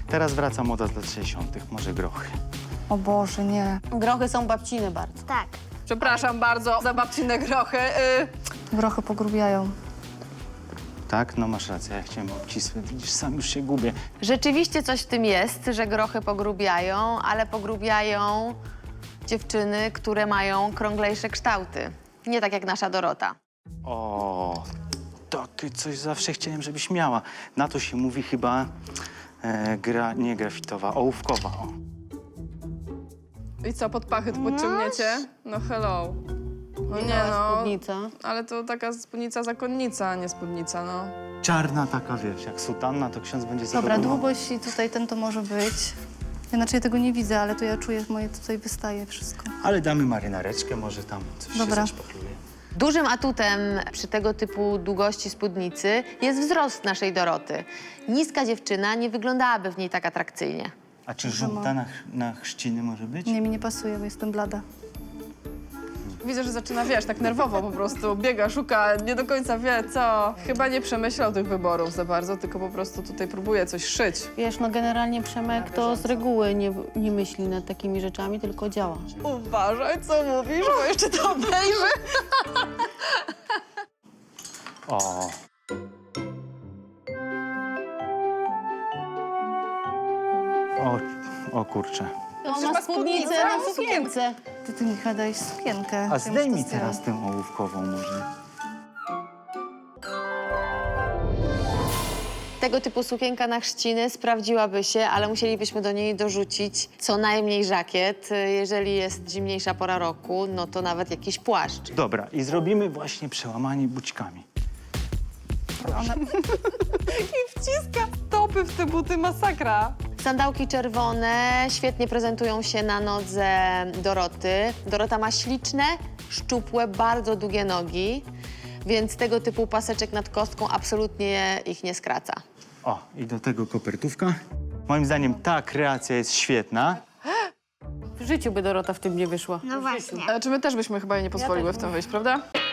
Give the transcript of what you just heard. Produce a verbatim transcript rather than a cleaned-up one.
Teraz wraca moda z lat sześćdziesiątych. Może grochy. O Boże, nie. Grochy są babcine bardzo. Tak. Przepraszam bardzo za babcine grochy. Y Grochy pogrubiają. Tak? No masz rację, ja chciałem obcisłe. Widzisz, sam już się gubię. Rzeczywiście coś w tym jest, że grochy pogrubiają, ale pogrubiają dziewczyny, które mają krąglejsze kształty. Nie tak jak nasza Dorota. O, takie coś zawsze chciałem, żebyś miała. Na to się mówi chyba e, gra, nie grafitowa, ołówkowa. O. I co, pod pachyt podciągniecie? No hello. No nie no, Spódnica. ale to taka spódnica zakonnica, a nie spódnica, no. Czarna taka, wiesz, jak sutanna, to ksiądz będzie Dobra, zadowolony. długość i tutaj ten to może być. Inaczej ja tego nie widzę, ale to ja czuję, moje tutaj wystaje wszystko. Ale damy marynareczkę, może tam coś Dobra. się zaszpachluje. Dużym atutem przy tego typu długości spódnicy jest wzrost naszej Doroty. Niska dziewczyna nie wyglądałaby w niej tak atrakcyjnie. A czy żółta na, ch- na chrzciny może być? Nie, mi nie pasuje, bo jestem blada. Widzę, że zaczyna, wiesz, tak nerwowo po prostu biega, szuka, nie do końca wie co. Chyba nie przemyślał tych wyborów za bardzo, tylko po prostu tutaj próbuje coś szyć. Wiesz, no generalnie Przemek to z reguły nie, nie myśli nad takimi rzeczami, tylko działa. Uważaj, co mówisz, bo jeszcze to obejrzy. O. O, o kurczę. To ma spódnicę na sukience. Ty, ty mi chyba dałeś sukienkę. A Ja muszę zdejmij to teraz zdjąć. tę ołówkową może. Tego typu sukienka na chrzciny sprawdziłaby się, ale musielibyśmy do niej dorzucić co najmniej żakiet. Jeżeli jest zimniejsza pora roku, no to nawet jakiś płaszcz. Dobra, i zrobimy właśnie przełamanie bućkami. Wciska stopy w te buty, masakra. Sandałki czerwone świetnie prezentują się na nodze Doroty. Dorota ma śliczne, szczupłe, bardzo długie nogi, więc tego typu paseczek nad kostką absolutnie ich nie skraca. O, i do tego kopertówka. Moim zdaniem ta kreacja jest świetna. W życiu by Dorota w tym nie wyszła. No właśnie. Ale czy my też byśmy chyba jej nie pozwoliły w tym wyjść, prawda?